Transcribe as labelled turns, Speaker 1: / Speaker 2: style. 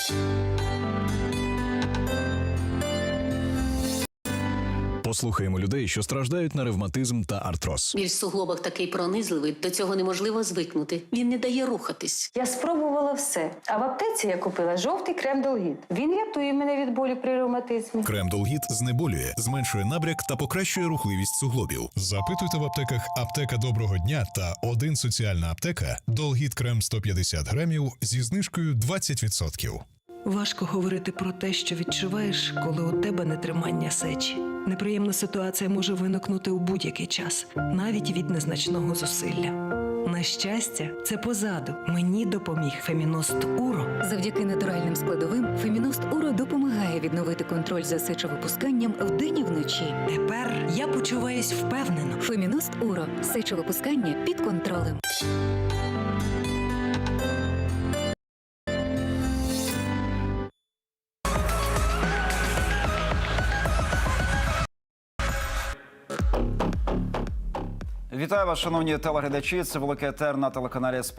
Speaker 1: Послухаємо людей, що страждають на ревматизм та артроз.
Speaker 2: Біль в суглобах такий пронизливий, до цього неможливо звикнути. Він не дає рухатись.
Speaker 3: Я спробувала все. А в аптеці я купила жовтий крем Долгіт. Він рятує мене від болю при ревматизмі.
Speaker 1: Крем Долгіт знеболює, зменшує набряк та покращує рухливість суглобів. Запитуйте в аптеках «Аптека Доброго дня» та «Один соціальна аптека» Долгіт крем 150 грамів зі знижкою 20%.
Speaker 4: Важко говорити про те, що відчуваєш, коли у тебе нетримання сечі. Неприємна ситуація може виникнути у будь-який час, навіть від незначного зусилля. На щастя, це позаду. Мені допоміг Феміност Уро.
Speaker 5: Завдяки натуральним складовим Феміност Уро допомагає відновити контроль за сечовипусканням вдень і вночі.
Speaker 4: Тепер я почуваюсь впевнено.
Speaker 5: Феміност Уро. Сечовипускання під контролем.
Speaker 6: Вітаю вас, шановні телеглядачі. Це великий етер на телеканалі